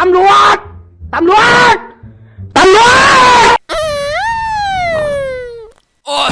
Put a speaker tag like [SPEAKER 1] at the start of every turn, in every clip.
[SPEAKER 1] ำรวจตำรวจตำรวจ
[SPEAKER 2] โอ้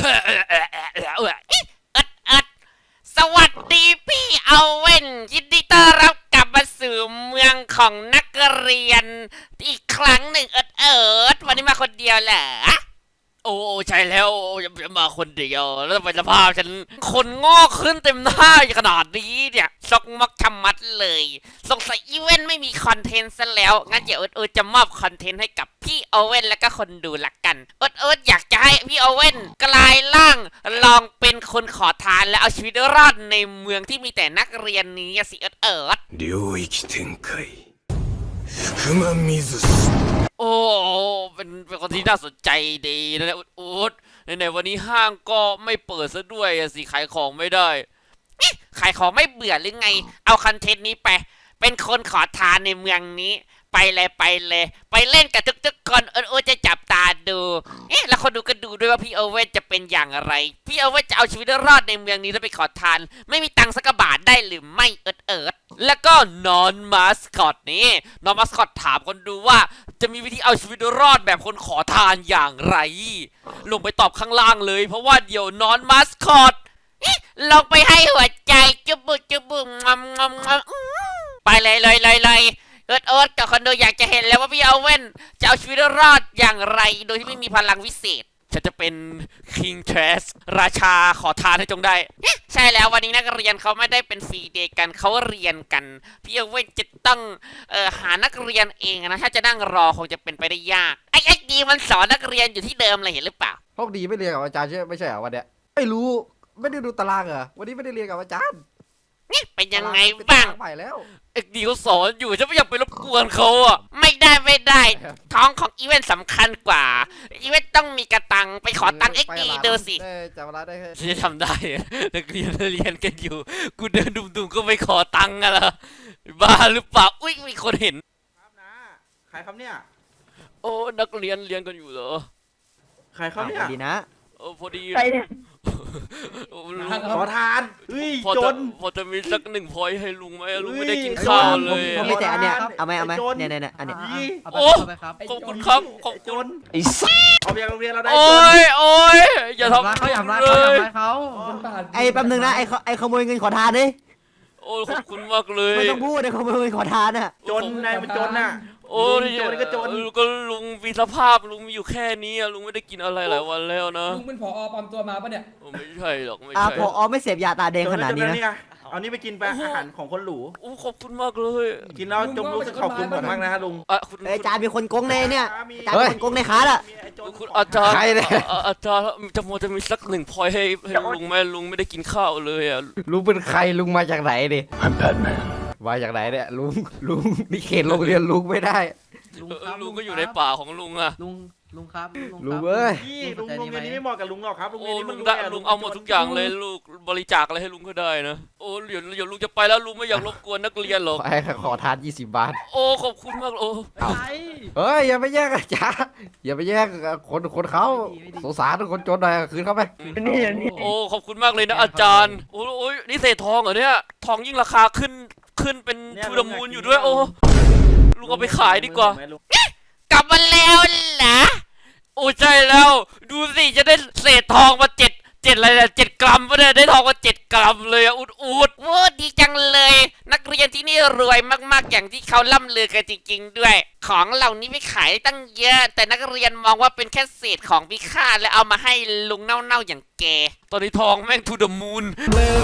[SPEAKER 2] สวัสดีพี่เอาเว่นยินดีต้อนรับกลับมาสู่เมืองของนักเรียนอีกครั้งหนึ่งวันนี้มาคนเดียวเหรอโอ้ใช่แล้วจะมาคนเดียวแล้วไปสภาพฉันคนงอกขึ้นเต็มหน้าขนาดนี้เนี่ยซอกมักชำมัดเลยสงสัยอีเวนต์ไม่มีคอนเทนต์ซะแล้วงั้นเดี๋ยวจะมอบคอนเทนต์ให้กับพี่โอเว่นแล้วก็คนดูละกันอยากจะให้พี่โอเว่นกลายร่างลองเป็นคนขอทานและเอาชีวิตรอดในเมืองที่มีแต่นักเรียนนี้สิ
[SPEAKER 3] 領域展開福間水氏
[SPEAKER 2] โอ้เป็นคนที่น่าสนใจดีนะในวันนี้ห้างก็ไม่เปิดซะด้วยสิขายของไม่ได้ขายของไม่เบื่อหรือไงเอาคอนเทนต์นี้ไปเป็นคนขอทานในเมืองนี้ไปเลยไปเล่นกับทุกคนจะจับตาดูแล้วคนดูก็ดูด้วยว่าพี่โอเว่นจะเป็นอย่างไรพี่โอเว่นจะเอาชีวิตรอดในเมืองนี้แล้วไปขอทานไม่มีตังค์สักบาทได้หรือไม่แล้วก็นอนมาสคอตนี่นอนมาสคอตถามคนดูว่าจะมีวิธีเอาชีวิตรอดแบบคนขอทานอย่างไรลงไปตอบข้างล่างเลยเพราะว่าเดี๋ยวนอนมาสคอตลงไปให้หัวใจจุบุงไปเลยกับคนดูอยากจะเห็นแล้วว่าพี่เอาเว่นจะเอาชีวิตรอดอย่างไรโดยที่ไม่มีพลังวิเศษฉันจะเป็น King Trash ราชาขอทานให้จงได้ใช่แล้ววันนี้นักเรียนเขาไม่ได้เป็นฟรีเดย์กันเขาเรียนกันพี่เอาเว่นจะต้องหานักเรียนเองนะถ้าจะนั่งรอคงจะเป็นไปได้ยากไอ้ดีมันสอนนักเรียนอยู่ที่เดิมเลยเห็นหรือเปล่า
[SPEAKER 1] โชคดีไม่เรียนกับอาจารย์ใช่ไม่ใช่เหรอวันเนี้ยไม่รู้ไม่ได้ดูตารางเหรอวันนี้ไม่ได้เรียนกับอาจารย์
[SPEAKER 2] เป็นยังไงบ้าง
[SPEAKER 1] ใหม่แล้ว
[SPEAKER 2] เอ็กดีเขาสอนอยู่ฉันไม่อยากไปรบกวนเขาอ่ะไม่ได้ท้องของอีเวนต์สำคัญกว่าอีเวนต์ต้องมีกระตังไปขอตังเอ็กดีดูสิ
[SPEAKER 1] จำเวลาได้
[SPEAKER 2] ฉันจะทำได้นักเรียนกันอยู่กูเดินดุ่มๆก็ไปขอตังกันละบ้าหรือเปล่าอุ้ยมีคนเห็น
[SPEAKER 4] ครับนะใครครับเนี่ย
[SPEAKER 2] โอ้นักเรียนกันอยู่เหรอ
[SPEAKER 4] ใครครับเนี่ย
[SPEAKER 1] ดีนะ
[SPEAKER 2] พอดี
[SPEAKER 1] ใครเนี่ย
[SPEAKER 4] ขอทานจน
[SPEAKER 2] พอจะมีสัก1 พอยต์ให้ลุงไหมลุงไม่ได้กินข้าวเลย
[SPEAKER 1] ผมไม่แต่อันเนี้ยเอาไหมเนี่ยอันเนี้ย
[SPEAKER 2] โอ้ขอบคุณครับขอบคุณ
[SPEAKER 4] ไอ้สัสเอาไปยังโรงเรียนเราได้
[SPEAKER 2] โอ้ยอย่าทำ
[SPEAKER 1] เขาไอ้แป๊บนึงนะไอ้ขโมยเงินขอทานดิ
[SPEAKER 2] โอ้ขอบคุณมากเลย
[SPEAKER 1] ไม่ต้องพูดไอ้ขโมยเงินขอทานน่ะ
[SPEAKER 4] จนนายมันจนน่ะ
[SPEAKER 2] โอ้ยก็จนก็ลุงมีสภาพลุงมีอยู่แค่นี้ลุงไม่ได้กินอะไรหลายวันแล้วนะ
[SPEAKER 5] ลุงเป็นผอ.ปลอมตัวมาปะเนี่ย
[SPEAKER 2] ไม่ใช่หรอกไม่ใช่
[SPEAKER 1] ผอ.ไม่เสพยาตาแดงขนาดนี้นะ
[SPEAKER 4] เอานี่ไปกินไปอาหารของคนหรู
[SPEAKER 2] โอ้ขอบคุณมากเลย
[SPEAKER 4] กินแล้วจงรู้สึกขอบคุณผมมากนะลุง
[SPEAKER 1] อาจารย์มีคนโกงในเนี่ยอาจารย์มีคนโกงในค้าอ่ะ
[SPEAKER 2] คุณอาจารย์อาจารย์จะมีสัก1 พอยต์ให้ลุงไหมลุงไม่ได้กินข้าวเลยอ่ะ
[SPEAKER 1] ลุงเป็นใครลุงมาจากไหนดิมาจากไหนเนี่ยลุงนี่เขตโรงเรียนลุงไม่ได้
[SPEAKER 2] ลุงก็อยู่ในป่าของลุงอะ
[SPEAKER 5] ลุงครับ
[SPEAKER 1] ลุงเอ้ย
[SPEAKER 4] ลุงโรงเรียนนี้ไม่เหมาะกับลุงหรอกครับโรงเรียนนี้
[SPEAKER 2] ลุงเอาหมดทุกอย่างเลยลูกบริจาคอะไรให้ลุงก็ได้นะโอ้เดี๋ยวลุงจะไปแล้วลุงไม่อยากรบกวนนักเรียนหรอก
[SPEAKER 1] ขอทาน20 บาท
[SPEAKER 2] โอ้ขอบคุณมากโอ้
[SPEAKER 1] เฮ้ยอย่าไปแย่งอาจารย์อย่าไปแย่งคนเขาสงสารคนจนหน่อยคืนเขาไป
[SPEAKER 2] โอ้ขอบคุณมากเลยนะอาจารย์โอ้ยนี่เศษทองเหรอเนี่ยทองยิ่งราคาขึ้นเป็นทูดมูลอยู่ด้วยโอ้ลุงเอาไปขายดีกว่ากลับมาแล้วเหรอโอ้ใช่แล้วดูสิจะได้เศษทองมา7อะไรเนี่ย7 กรัมปะเนี่ยได้ทองมา7 กรัมเลยอุดโอ้ดีจังเลยนักเรียนที่นี่รวยมากๆอย่างที่เขาล่ำลือกันจริงๆด้วยของเหล่านี้ไม่ขายตั้งเยอะแต่นักเรียนมองว่าเป็นแค่เศษของพิฆาตและเอามาให้ลุงเน่าๆอย่างแกตอนนี้ทองแม่งทูเดอะมูน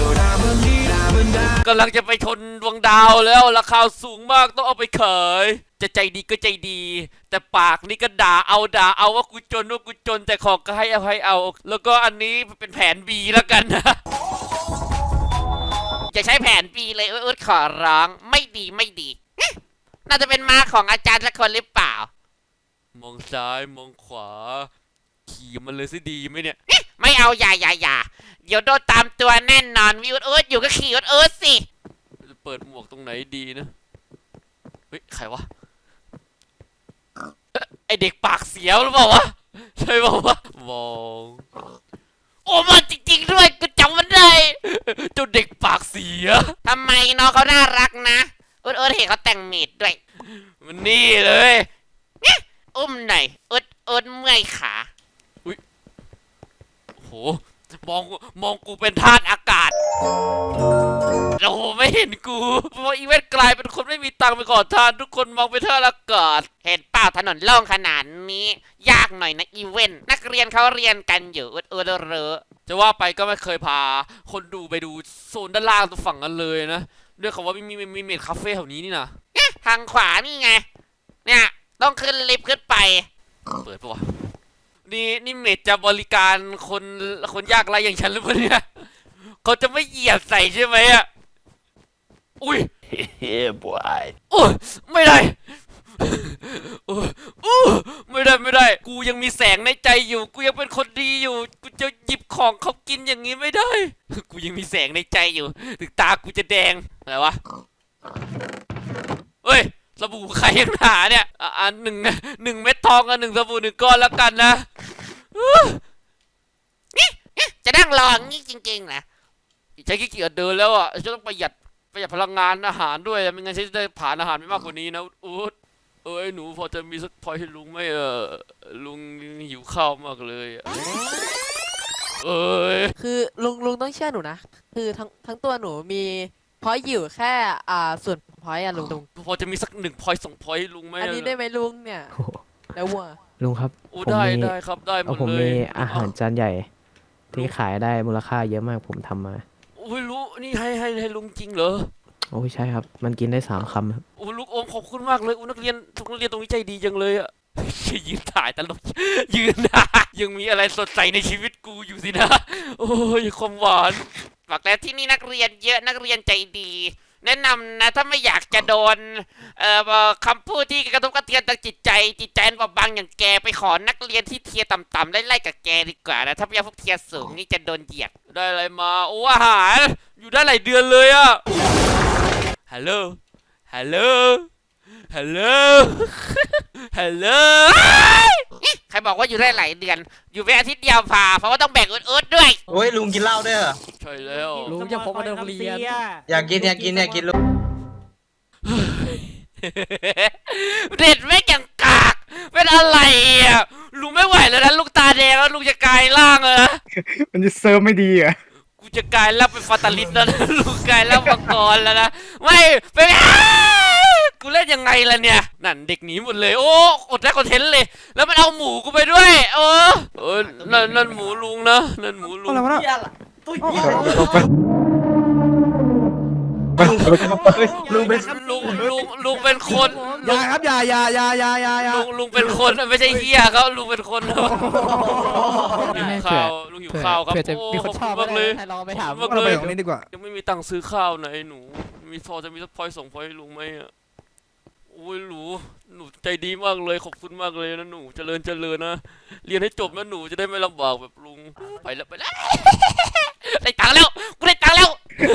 [SPEAKER 2] กำลังจะไปชนดวงดาวแล้วราคาสูงมากต้องเอาไปขายจะใจดีก็ใจดีแต่ปากนี่ก็ด่าเอาว่ากูจนแต่ของก็ให้อภัยเอาแล้วก็อันนี้เป็นแผน B แล้วกันนะจะใช้แผน B เลยขอร้องไม่ดีน่าจะเป็นมาของอาจารย์สักคนหรือเปล่ามองซ้ายมองขวาขี่มันเลยสิดีไหมเนี่ยไม่เอาอย่าเดี๋ยวโดนตามตัวแน่นอนวิวอยู่ก็ขี่สิเปิดหมวกตรงไหนดีนะเฮ้ยใครวะไอเด็กปากเสียวหรือเปล่าวะใช่เปล่าวะมองโอ้มาจริงๆด้วยกูจำมันได้เจ้าเด็กปากเสียทำไมน้องเขาน่ารักนะเห็นเขาแต่งเมดด้วยมันนี่เลยเนี่ยอุ้มหน่อยอึดเมื่อยขาอุ้ยโหมองกูเป็นธาตุอากาศโอ้โหไม่เห็นกูเพราะอีเวนต์กลายเป็นคนไม่มีตังค์ไปขอทานทุกคนมองเป็นธาตุอากาศเห็นเปล่าถนนโล่งขนาดนี้ยากหน่อยนะอีเวนต์นักเรียนเขาเรียนกันอยู่เรอจะว่าไปก็ไม่เคยพาคนดูไปดูโซนด้านล่างตรงฝั่งนั้นเลยนะด้วยคำว่ามีเมดคาเฟ่แถวนี้นี่นะทางขวานี่ไงเนี่ยต้องขึ้นลิฟต์ขึ้นไปเปิดปะวะนี่เมดจะบริการคนยากไร้อย่างฉันหรือเปล่าเนี่ยเขาจะไม่เหยียบใส่ใช่ไหมอ่ะอุ้ย
[SPEAKER 3] Yeah, boy.
[SPEAKER 2] โอ้ยไม่ได้โอ้ยไม่ได้กูยังมีแสงในใจอยู่กูยังเป็นคนดีอยู่กูจะหยิบของเขากินอย่างนี้ไม่ได้กูยังมีแสงในใจอยู่ถึงตากูจะแดงอะไรวะเฮ้ยสบู่ใครยังหาเนี่ยหนึ่งเม็ดทองกับ1 สบู่ 1 ก้อนแล้วกันนะจะนั่งรออย่างนี้จริงๆนะใช้ขี้เกียจเดินแล้วอ่ะจะต้องประหยัดพลังงานอาหารด้วยไม่งั้นฉันจะได้ผ่านอาหารไม่มากกว่านี้นะอู๊ดหนูพอจะมีสักพอยให้ลุงไหมลุงหิวข้าวมากเลย
[SPEAKER 6] คือลุงต้องเชื่อหนูนะคือทั้งตัวหนูมีพอยต์อยู่แค่ส่วนพอยต์อะลุง
[SPEAKER 2] พอจะมีสัก1 พอย2 พอยให้ลุงไหม
[SPEAKER 6] อันนี้ได้ไหมลุงเนี่ยแล้ววัว
[SPEAKER 7] ลุงครับ
[SPEAKER 2] โอ้
[SPEAKER 7] ผม
[SPEAKER 2] ได้
[SPEAKER 7] มี
[SPEAKER 2] ได้ครับได้หมด
[SPEAKER 7] ผม
[SPEAKER 2] เลย
[SPEAKER 7] มีอาหารจานใหญ่ ที่ขายได้มูลค่าเยอะมากผมทำมา
[SPEAKER 2] โอ้ยรู้นี่ให้ลุงจริงเหรอ
[SPEAKER 7] โอ้ยใช่ครับ มันกินได้3 คำครับ
[SPEAKER 2] โอ้ลูกอมขอบคุณมากเลยนักเรียนตรงนี้ใจดีจังเลยอะยืนถ่ายตลกยืนยังมีอะไรสดใสในชีวิตกูอยู่สินะโอ้ยความหวานบอกแล้วที่นี่นักเรียนเยอะนักเรียนใจดี แนะนำนะถ้าไม่อยากจะโดนคำพูดที่กระทบกระเทือนทางจิตใจบอบบางอย่างแกไปขอนักเรียนที่เทียร์ต่ำๆไล่ๆกับแกดีกว่านะถ้าไม่อยากพวกเทียร์สูงนี่จะโดนเหยียดได้อะไรมาโอ้อาหารอยู่ได้หลายเดือนเลยอะฮัลโหลฮัลโหลฮัลโหลฮัลโหลใครบอกว่าอยู่ได้หลายเดือนอยู่แค่อาทิตย์เดียวพาเพราะว่าต้องแบ่งอึดๆด้วย
[SPEAKER 4] โอ้ยลุงกินเหล้าด้วยเหรอ
[SPEAKER 2] ใช่แล้ว
[SPEAKER 5] ลุงจะพกมาโรงเรียน
[SPEAKER 4] อยากกินลุง
[SPEAKER 2] เด็ดไม่อย่างกากเป็นอะไรอ่ะลุงไม่ไหวแล้วนะลูกตาแดงแล้วลุงจะกลายร่างเลยนะ
[SPEAKER 8] มันจะเซิร์ฟไม่ดีอ่ะ
[SPEAKER 2] กูจะกลายร่างเป็นฟาตาลิสแล้วนะลุงกลายร่างมังกรแล้วนะไม่เป็นกูเล่นยังไงล่ะเนี่ยนั่นเด็กหนีหมดเลยโอ้อดได้คอนเทนต์เลยแล้วมันเอาหมูกูไปด้วยนั่นหมูลุงนะนั่นหมูลุง
[SPEAKER 8] อะไรวะ
[SPEAKER 5] เหี้ยล่ะตุ้ยเหี้ย
[SPEAKER 4] ลุงเป็น
[SPEAKER 2] ลุงเป็นคน
[SPEAKER 8] อย่าครับอย่า
[SPEAKER 2] ลุงเป็นคนไม่ใช่เหี้ยครับลุงเป็นคนหิวข้าวลุงหิวข้าวครับ
[SPEAKER 7] เผื่อจะมีคนชอบ
[SPEAKER 2] มากเลย
[SPEAKER 7] ให้ลองไปถาม
[SPEAKER 2] มาก
[SPEAKER 8] เรา
[SPEAKER 2] เล
[SPEAKER 8] ไป
[SPEAKER 2] ย
[SPEAKER 8] ตรงนี้ดีกว่า
[SPEAKER 2] ยังไม่มีตังค์ซื้อข้าวนะไอ้หนูจะมีสักพอย2 พอยให้ลุงไหมอ่ะโอ้ยหนูใจดีมากเลยขอบคุณมากเลยนะหนูเจริญนะเรียนให้จบนะหนูจะได้ไม่ลำบากแบบลุงไปแล้วได้ตังค์แล้วกูได้ตังค์แล้ว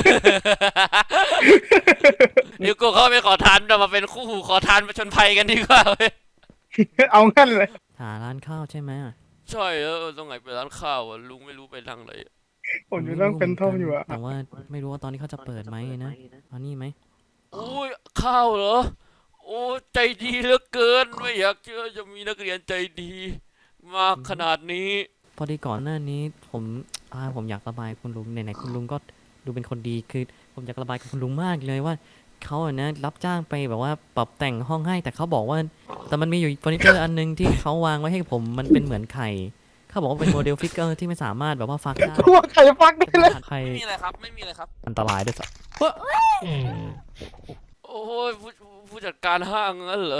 [SPEAKER 2] เดี๋ยวกูเข้าไปขอทานเรามาเป็นคู่หูขอทานมาชนภัยกันดีกว่าเว้ย
[SPEAKER 8] เอางั้นเลย
[SPEAKER 7] หาร้านข้าวใช่ไหม
[SPEAKER 2] ใช่ตรงไหนไปร้านข้าวอ่ะลุงไม่รู้ไปทางไหน
[SPEAKER 8] ผมจะต้องเป็นท่อมอยู่อ่ะ
[SPEAKER 7] แต่ว่าไม่รู้ว่าตอนนี้เขาจะเปิดไหมนะเอานี่ไหม
[SPEAKER 2] โอ้ยข้าวเหรอโอ้ใจดีเหลือเกินไม่อยากเชื่อจะมีนักเรียนใจดีมากขนาดนี้
[SPEAKER 7] พอดีก่อนหน้านี้ผมอยากระบายคุณลุงไหนๆคุณลุงก็ดูเป็นคนดีคือผมอยากระบายกับคุณลุงมากเลยว่าเขาอะนะรับจ้างไปแบบว่าปรับแต่งห้องให้แต่เขาบอกว่าแต่มันมีอยู่เฟอร์นิเจอร์อันนึงที่เขาวางไว้ให้ผมมันเป็นเหมือนไข่เขาบอกว่าเป็นโมเดลฟิกเกอร์ที่ไม่สามารถแบบว่าฟักได้
[SPEAKER 8] ทั่วใครฟักได้เลย
[SPEAKER 7] ไข่
[SPEAKER 2] ไม่มีอะไรครับไม่มีอะไรครับ
[SPEAKER 7] อันตรายด้วยซ้
[SPEAKER 2] โอ้ยผู้จัดการห้างงั้นเหรอ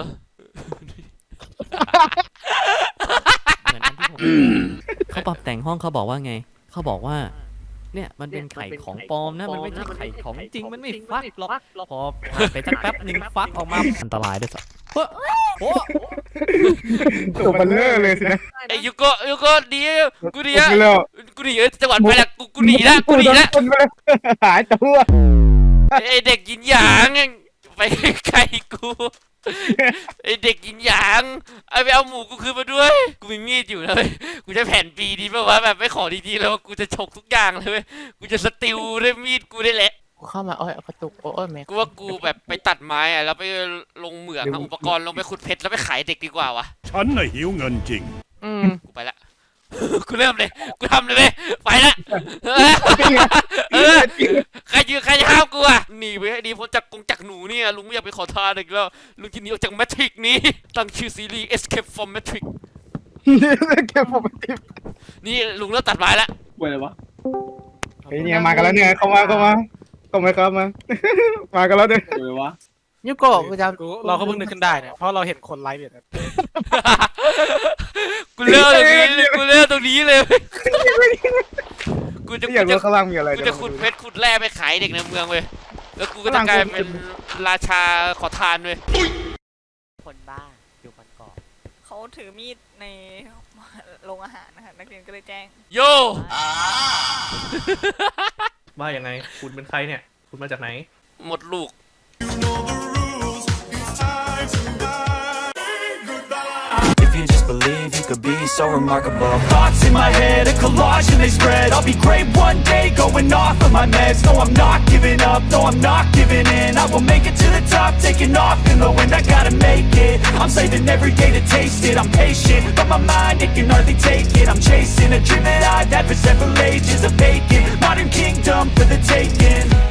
[SPEAKER 7] เหมือนอันที่ผมเขาปรับแต่งห้องเขาบอกว่าไงเขาบอกว่าเนี่ยมันเป็นไข่ของปลอมนะมันไม่ใช่ไข่ของจริงมันไม่ฟักหรอกพอผ่านไปสักแป๊บหนึ่งฟักออกมาอันตรายด้วยซ้ำ
[SPEAKER 8] ตัวเบัลเลอร์เลยสินะ
[SPEAKER 2] ไอ้ยูโกดีกูดีอะ
[SPEAKER 8] ผมไปแล้ว
[SPEAKER 2] กูหนีจังหวัดไปละกูหนีละกูหนีละ
[SPEAKER 8] คนไปเลยหายตัว
[SPEAKER 2] ไอ้เด็กยินหยางไปไกลกูไอ้เด็กยินหยางเอาไปเอาหมูกูคืนมาด้วยกูมีมีดอยู่นะเว้ยกูจะแผ่นปีดีป่าวะแบบไม่ขอดีๆแล้วกูจะฉกทุกอย่างเลยเว้ยกูจะสติลด้วยมีดกูได้แหละ
[SPEAKER 6] เข้ามาโอ้ยกระตุกโอ้ยแม่
[SPEAKER 2] กูว่ากูแบบไปตัดไม้อะแล้วไปลงเหมืองเอาอุปกรณ์ลงไปขุดเพชรแล้วไปขายเด็กดีกว่าวะ
[SPEAKER 3] ฉันน่ะหิวเงินจริง
[SPEAKER 2] กูไปละ กูเริ่มเลย กูทำเลยเว้ยไปละใครจะห้ามกูอะหนีไปให้ดีพ้นจากหนูเนี่ยลุงไม่อยากไปขอทานอีกแล้วลุงจะหนีออกจากแมทริกนี้ตั้งชื่อซีรีส์ Escape from Matrix
[SPEAKER 8] แค่ผมติด
[SPEAKER 2] นี่ลุงเริ่มตัดไม้ละ
[SPEAKER 4] เว้ยอะไรวะ
[SPEAKER 8] เฮ้ยเนี่ยมากันแล้วเนี่ยเข้ามามามากันแล้วเนี่ย
[SPEAKER 4] เว้ยวะ
[SPEAKER 5] ยูโกะกูจำเราก็เพิ่งนึกขึ้นได้เนี่ยเพราะเราเห็นคนไลฟ์เนี่ย
[SPEAKER 2] กูเริ่มตรงนี้เลยกูจะ
[SPEAKER 8] อยากรู้ข้างล่างมีอะไร
[SPEAKER 2] กูจะขุดเพชรขุดแร่ไปขายเด็กในเมืองเว้ยแล้วกูก็จะกลายเป็นราชาขอทานเว้ย
[SPEAKER 5] คนบ้าอยู่บนเกาะ
[SPEAKER 9] เขาถือมีดในโรงอาหารนะคะนักเรียนก็เลยแจ้ง
[SPEAKER 2] โย
[SPEAKER 4] ว่ายังไงคุณเป็นใครเนี่ย คุณมาจากไหน
[SPEAKER 2] หมดลูก
[SPEAKER 3] If you just believe you could be so remarkable. Thoughts in my head, a collage and they spread. I'll be great one day, going off of my meds. No, I'm not giving up, no, I'm not giving in. I will make it to the top, taking off in the wind. I gotta make it, I'm saving every day to taste it. I'm patient, but my mind, it can hardly take it. I'm chasing a dream that I've had for several ages. A vacant modern kingdom for the taking.